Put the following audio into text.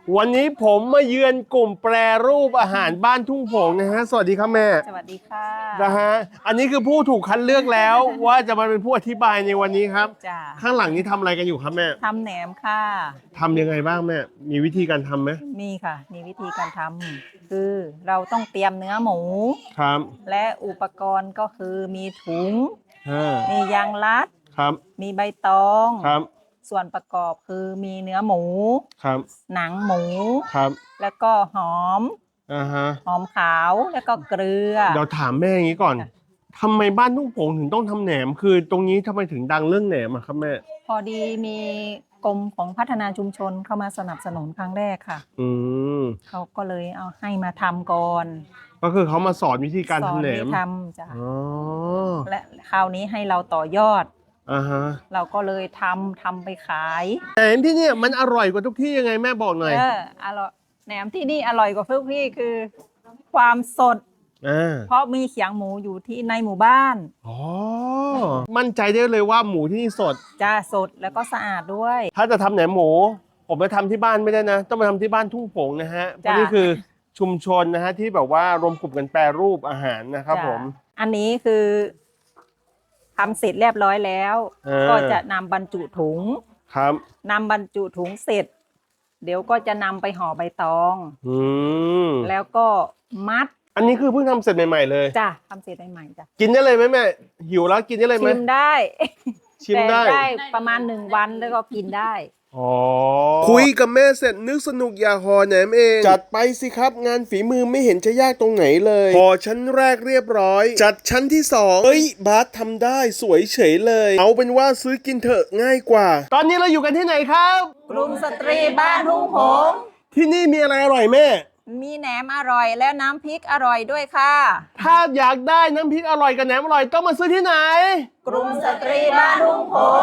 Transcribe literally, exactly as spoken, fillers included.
วันนี้ผมมาเยือนกลุ่มแปรรูปอาหารบ้านทุ่งโผงนะฮะสวัสดีครับแม่สวัสดีค่ะนะฮะอันนี้คือผู้ถูกคัดเลือกแล้ว ว่าจะมาเป็นผู้อธิบายในวันนี้ครับจ้าข้างหลังนี้ทำอะไรกันอยู่ครับแม่ทำแหนมค่ะทำยังไงบ้างแม่มีวิธีการทำไหมมีค่ะมีวิธีการทำคือเราต้องเตรียมเนื้อหมูครับและอุปกรณ์ก็คือมีถุงอ่ามียางรัดครับมีใบตองครับส่วนประกอบคือมีเนื้อหมูครับหนังหมูครับแล้วก็หอมอ่าฮะหอมขาวแล้วก็เกลือเดี๋ยวถามแม่อย่างนี้ก่อนทำไมบ้านทุ่งโผงถึงต้องทำแหนมคือตรงนี้ทำไมถึงดังเรื่องแหนมอะครับแม่พอดีมีกรมของพัฒนาชุมชนเข้ามาสนับสนุนครั้งแรกค่ะอืมเขาก็เลยเอาให้มาทำก่อนก็คือเขามาสอนวิธีการสอนทำแหนมวิธีทำจ้ะอ๋อและคราวนี้ให้เราต่อยอดอ่าฮะเราก็เลยทำทำไปขายแหนมที่เนี่ยมันอร่อยกว่าทุกที่ยังไงแม่บอกหน่อยเอออร่อยแหนมที่นี่อร่อยกว่าทุกที่คือ ความสดอ่าเพราะมีเขียงหมูอยู่ที่ในหมู่บ้านอ๋อมั่นใจได้เลยว่าหมูที่นี่สดจะสดแล้วก็สะอาดด้วยถ้าจะทำแหนมหมูผมไปทำที่บ้านไม่ได้นะ ต้องไปทำที่บ้านทุ่งโผงนะฮะเพราะนี่คือชุมชนนะฮะที่แบบว่ารวมกลุ่มกันแปรรูปอาหารนะครับผมอันนี้คือทำเสร็จเรียบร้อยแล้ว ก็จะนำบรรจุถุงครับนำบรรจุถุงเสร็จ เดี๋ยวก็จะนำไปห่อใบตองอืมแล้วก็มัดอันนี้คือเพิ่งทำเสร็จใหม่ๆเลยจ้ะทำเสร็จใหม่ๆจ้ะกินได้เลยไหมแม่หิวแล้วกินได้เลยไหมชิมได้ชิมได้ได้ประมาณหนึ่งวันแล้วก็กินได้อ๋อคุยกับแม่เสร็จนึกสนุกอยากห่อแหนมเองจัดไปสิครับงานฝีมือไม่เห็นจะยากตรงไหนเลยห่อชั้นแรกเรียบร้อยจัดชั้นที่สองเฮ้ยบาสทำได้สวยเฉยเลยเอาเป็นว่าซื้อกินเถอะง่ายกว่าตอนนี้เราอยู่กันที่ไหนครับกลุ่มสตรีบ้านทุ่งโผงที่นี่มีอะไรอร่อยแม่มีแหนมอร่อยแล้วน้ำพริกอร่อยด้วยค่ะถ้าอยากได้น้ำพริกอร่อยกับแหนมอร่อยต้องมาซื้อที่ไหนกลุ่มสตรีบ้านทุ่งโผง